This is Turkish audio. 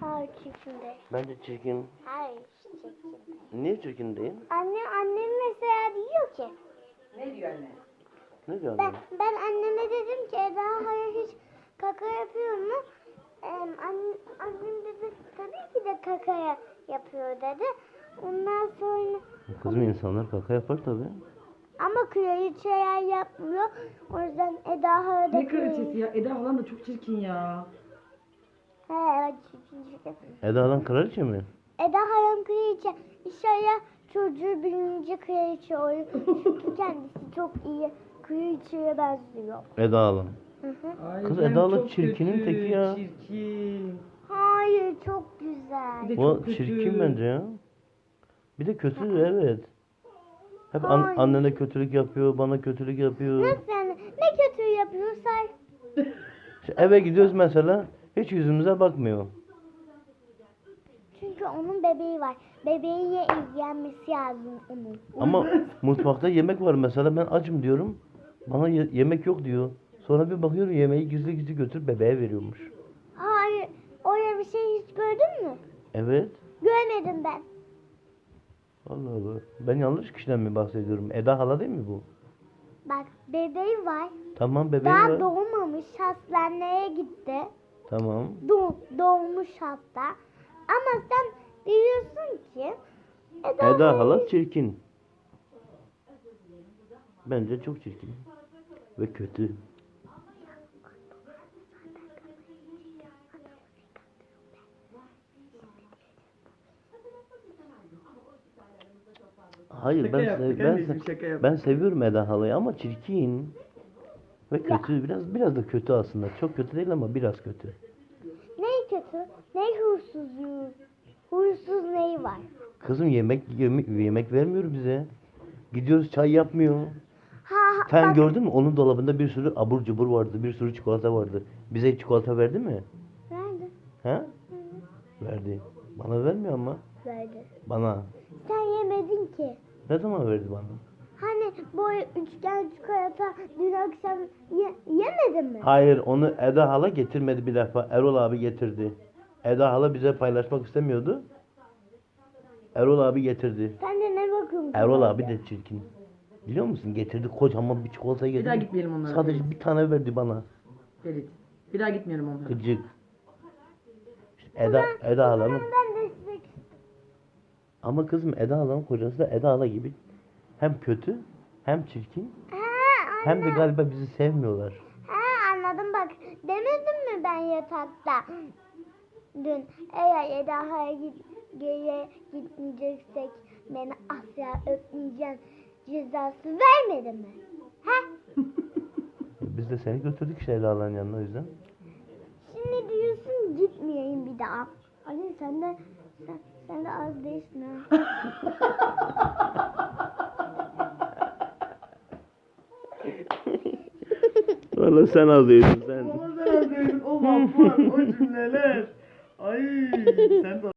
Hayır çirkin değil. Bence çirkin. Hayır çirkin değil. Niye çirkin değil? Annem mesela diyor ki. Ne diyor anne? Ne diyor Ben, annem? ben anneme dedim ki Eda hayır hiç kaka yapıyor mu? Annem dedi tabii ki de kaka yapıyor dedi. Ondan sonra Kızım insanlar kaka yapar tabii. ama kraliçeler yapmıyor. O yüzden Eda hayır da Ne kraliçesi ya? Eda falan da çok çirkin ya. He evet çirkin. Eda lan kraliçe mi? Eda hayır kraliçe. İnşallah çocuğu büyüyünce kraliçe olur. Çünkü kendisi çok iyi kraliçeye benziyor. Eda lan. Hı hı. Ay, Kız ben Eda'lı çok çirkinin kötü, teki ya. Çirkin. Hayır çok güzel. Bir de O çok kötü. çirkin bence ya. Bir de kötü evet. Hep Hayır. annene kötülük yapıyor, bana kötülük yapıyor. Nasıl yani? Ne kötü yapıyorsan. İşte eve gidiyoruz mesela, hiç yüzümüze bakmıyor. Çünkü onun bebeği var. Bebeğiyle ilgilenmesi lazım onun. Ama mutfakta yemek var mesela, ben acım diyorum. Bana yemek yok diyor. Sonra bir bakıyorum yemeği gizli gizli götürüp bebeğe veriyormuş. Hayır. Öyle bir şey hiç gördün mü? Evet. Görmedim ben. Allah Allah. Ben yanlış kişiden mi bahsediyorum? Eda hala değil mi bu? Bak bebeği var. Tamam bebeği Daha var. doğmamış. Hastaneye gitti. Tamam. Doğmuş hatta. Ama sen diyorsun ki Eda hala çirkin. Bence çok çirkin. Ve kötü. Hayır Şaka yaptık anneciğim, şaka yaptık. ben seviyorum Eda halayı ama çirkin. Ve kötü, biraz da kötü aslında. Çok kötü değil ama biraz kötü. Neyi kötü? Ney huysuzluğu? Huysuz neyi var? Kızım yemek vermiyor bize. Gidiyoruz çay yapmıyor. Ha, Sen bak, gördün mü? Onun dolabında bir sürü abur cubur vardı. Bir sürü çikolata vardı. Bize hiç çikolata verdi mi? Verdi. He? Verdi. Bana vermiyor ama. Verdi. Bana. Sen yemedin ki. Ne zaman verdi bana? Hani bu üçgen çikolata dün akşam yemedin mi? Hayır, onu Eda hala getirmedi bir defa. Erol abi getirdi. Eda hala bize paylaşmak istemiyordu. Erol abi getirdi. Sen de ne bakıyorsun? Erol abi de çirkin. Biliyor musun? Getirdi kocaman bir çikolata getirdi. Bir daha gitmeyelim onlara. Sadece bir tane verdi bana. Ferit. Bir daha gitmeyelim onlara. Gıcık. İşte Eda halanın. Ben de size... Ama kızım Eda halanın kocası da Eda hala gibi. Hem kötü, hem çirkin, Ha, hem de galiba bizi sevmiyorlar. ha, anladım bak. Demedim mi ben yatakta? Dün eğer Eda'ya geriye gitmeyeceksek beni asla öpmeyeceğim cezası vermedim mi? Ha? Biz de seni götürdük işte Eda halanın yanına o yüzden. Şimdi diyorsun gitmeyeyim bir daha. Ali sen de az değilsin ha. Valla sen ağlıyorsun sen. O laflar, o cümleler. Ay sen de